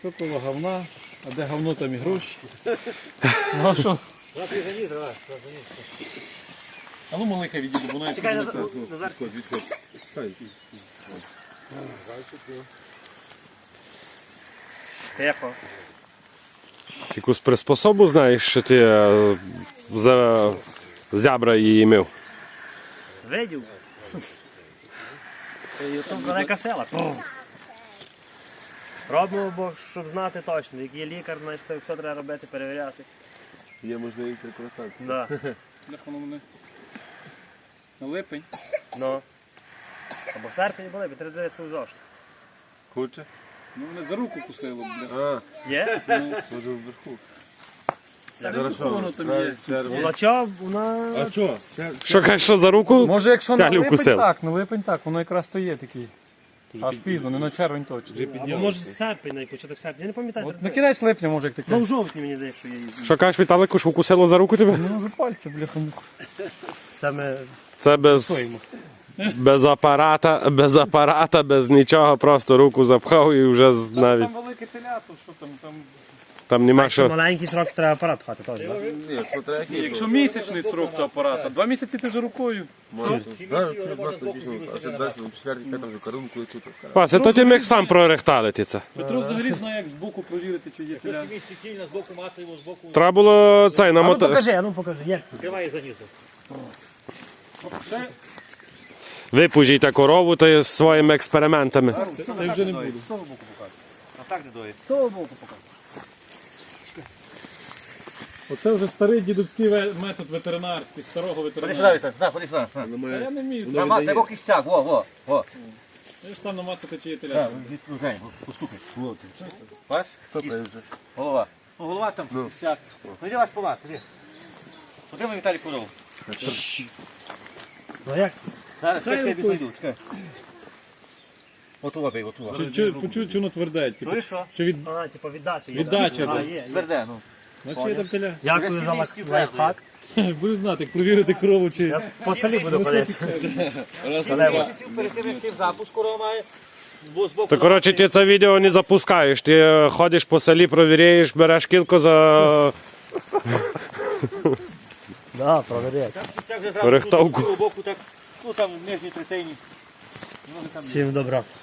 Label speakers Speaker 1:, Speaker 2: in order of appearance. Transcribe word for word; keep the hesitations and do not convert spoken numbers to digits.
Speaker 1: Хто коло говна, а де говно, там і гроші. Ну а що? А ну малика відійду, бо навіть...
Speaker 2: Чекай, Назар.
Speaker 1: Відходь, відходь.
Speaker 2: Тихо.
Speaker 3: Якусь приспособу знаєш, що ти е, за зябра її мив?
Speaker 2: Видів? Це ютуб велика сила. Робимо, бо щоб знати точно. Як є лікар, значить це все треба робити, перевіряти.
Speaker 4: Є можливість використатися.
Speaker 2: Да.
Speaker 1: Де воно мене? На липень.
Speaker 2: Ну. Або в серпні були, бо треба дивитися у зошит.
Speaker 4: Хоче?
Speaker 1: Ну мене за руку кусило, бля.
Speaker 4: А,
Speaker 2: Є?
Speaker 4: може вверху.
Speaker 1: Та руку воно там є.
Speaker 2: Вона чого? Вона...
Speaker 4: А що?
Speaker 3: Що кажеш, що за руку?
Speaker 1: Може якщо на
Speaker 3: Тяглю
Speaker 1: липень
Speaker 3: вкусив.
Speaker 1: так, на липень так, воно якраз то є такий. Аж пізно, не на червень точно.
Speaker 2: Або може серпень, на початок серпня. Я не пам'ятаю.
Speaker 1: От на кінець липня може як таке.
Speaker 2: Ну в жовтні мені здається, що я їздив.
Speaker 3: Що кажеш, Віталику, що укусило за руку тебе?
Speaker 1: Ну, за пальці, бляха.
Speaker 2: Саме
Speaker 3: Це без, без апарата, без апарата, без нічого, просто руку запхав і вже з- навіть
Speaker 1: Там велике телято, що там, там...
Speaker 3: там нема
Speaker 2: якщо
Speaker 3: що.
Speaker 2: маленький срок, треба апарат пхати теж. да?
Speaker 4: Ні, смотря який.
Speaker 1: Якщо місячний срок до апарата, два місяці ти вже рукою.
Speaker 4: Може, да, чуєш, нас написано, а це далі, у четвертій, п'ятому вже корунку і тут.
Speaker 3: Вася, то ти міг сам прорехталити це.
Speaker 1: Петро взагалі знає, як збоку провірити, чи є теля.
Speaker 3: Треба було цей
Speaker 2: А ну
Speaker 3: намотати.
Speaker 2: покажи, а ну покажи. Як? Тривай занізу.
Speaker 3: Випужійте корову то є з своїми експериментами.
Speaker 1: Та я вже не буду.
Speaker 2: А так не доїть. З того боку покажи.
Speaker 1: Оце вже старий дідовський ве- метод ветеринарський, старого
Speaker 5: Ходи сюди,
Speaker 1: ветеринару.
Speaker 5: Віталій, на, ходи сюди. на.
Speaker 1: Та я не вмію.
Speaker 5: На, ма- Тебе кістяк, во, во, во.
Speaker 1: Я ж там намацати, чи є
Speaker 5: Так,
Speaker 1: теля.
Speaker 5: від- ну, Жень, постукай. Бач?
Speaker 4: Що це вже?
Speaker 5: Голова. Ну, голова там кістяк. Ну, йди ваш палац, іди. Отримай, Віталій, корову.
Speaker 2: Ну як?
Speaker 5: Зараз, чекай, чекай, відійду, чекай. Отува, бей, отува.
Speaker 1: Почув, чи воно тверде. Типу,
Speaker 5: Ну і що?
Speaker 1: чи від...
Speaker 2: А, типу віддача є.
Speaker 1: Віддача,
Speaker 2: А,
Speaker 1: да.
Speaker 2: є, є.
Speaker 5: Тверде, ну.
Speaker 1: Значить є там теля.
Speaker 2: Дякую за лайф- лайфхак.
Speaker 1: Буду знати, як провірити корову, чи...
Speaker 2: Я по селі буду ходити.
Speaker 5: Місяців перед тим, як ти в запуск корова має, бо з боку...
Speaker 3: То коротше ти це відео не запускаєш. Ти ходиш по селі, провіряєш, береш кілько за
Speaker 2: Так, провіряй.
Speaker 5: Так вже зразу
Speaker 3: Рихтовку.
Speaker 5: тут, з боку, так, ну там в нижній третині.
Speaker 2: Всім добра.